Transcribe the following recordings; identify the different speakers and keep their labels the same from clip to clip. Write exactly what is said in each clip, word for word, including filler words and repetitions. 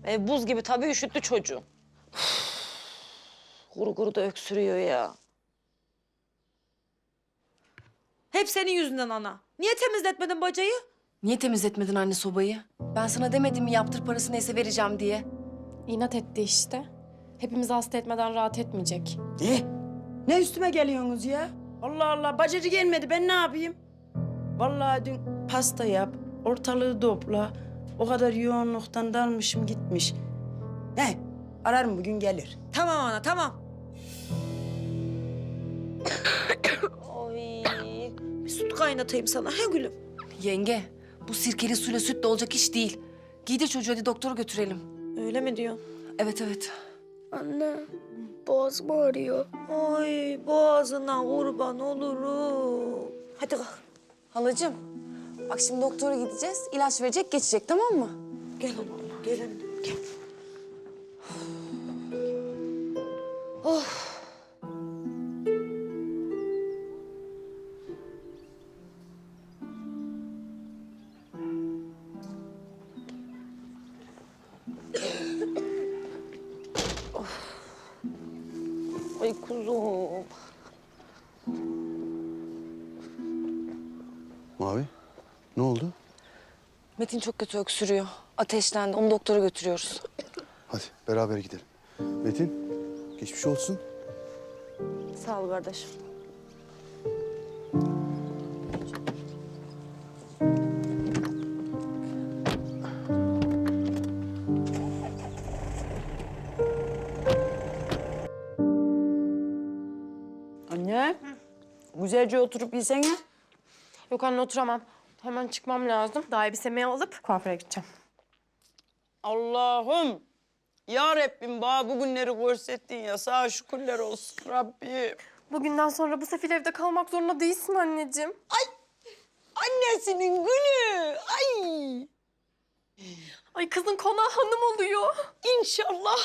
Speaker 1: E, buz gibi tabii üşüttü çocuğu. Kuru kuru da öksürüyor ya. Hep senin yüzünden ana. Niye temizletmedin bacayı?
Speaker 2: Niye temizletmedin anne sobayı? Ben sana demedim mi yaptır parası neyse vereceğim diye.
Speaker 3: İnat etti işte. Hepimizi hasta etmeden rahat etmeyecek.
Speaker 4: Ne? Ne üstüme geliyorsunuz ya? Allah Allah, bacacı gelmedi, ben ne yapayım? Vallahi dün pasta yap, ortalığı topla. O kadar yoğunluktan dalmışım gitmiş. Ne? Ararım bugün gelir.
Speaker 1: Tamam ana tamam. Oy. Bir süt kaynatayım sana he gülüm.
Speaker 2: Yenge bu sirkeli suyla sütle olacak iş değil. Giydir çocuğu hadi doktora götürelim.
Speaker 1: Öyle mi diyorsun?
Speaker 2: Evet evet.
Speaker 5: Anne, boğazım ağrıyor.
Speaker 1: Ay boğazına kurban olurum. Hadi kalk.
Speaker 2: Halacığım bak şimdi doktora gideceğiz. İlaç verecek geçecek tamam mı?
Speaker 1: Gel anam gel annem gel. Ay kuzum.
Speaker 6: Mavi, ne oldu?
Speaker 2: Metin çok kötü öksürüyor. Ateşlendi. Onu doktora götürüyoruz.
Speaker 6: Hadi beraber gidelim. Metin, geçmiş olsun.
Speaker 1: Sağ ol kardeşim.
Speaker 4: Anne, güzelce oturup yesene.
Speaker 3: Yok anne oturamam. Hemen çıkmam lazım. Daha elbisemi alıp kuaföre gideceğim.
Speaker 4: Allah'ım, ya Rabbim bana bu günleri görsettin ya, sana şükürler olsun Rabbim.
Speaker 3: Bugünden sonra bu sefil evde kalmak zorunda değilsin anneciğim.
Speaker 4: Annesinin günü, ay
Speaker 3: Ay kızın konağı hanım oluyor.
Speaker 4: inşallah.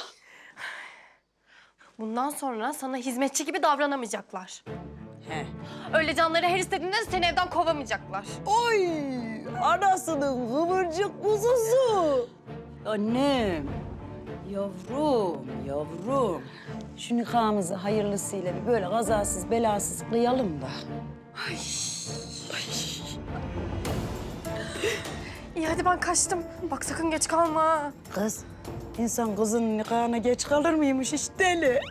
Speaker 3: Bundan sonra sana hizmetçi gibi davranamayacaklar.
Speaker 4: He.
Speaker 3: Öyle canları her istediğinde seni evden kovamayacaklar.
Speaker 4: Oy, anasının kıvırcık kuzusu. Annem, yavrum, yavrum. Şu nikahımızı hayırlısıyla bir böyle kazasız belasız kıyalım da.
Speaker 3: İyi hadi ben kaçtım. Bak sakın geç kalma. ha.
Speaker 4: Kız, insan kızın nikahına geç kalır mıymış hiç deli?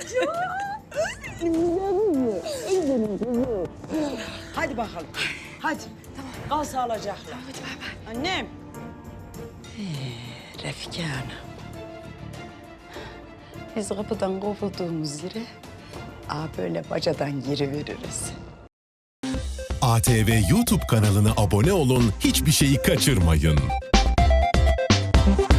Speaker 4: Hadi bakalım. Hadi. Tamam. Kal sağlıcakla. Hadi bay bay. Annem. Ee, Refika Hanım. Biz kapıdan kovulduğumuz yere aa böyle bacadan giriveririz.
Speaker 7: A T V YouTube kanalına abone olun, hiçbir şeyi kaçırmayın.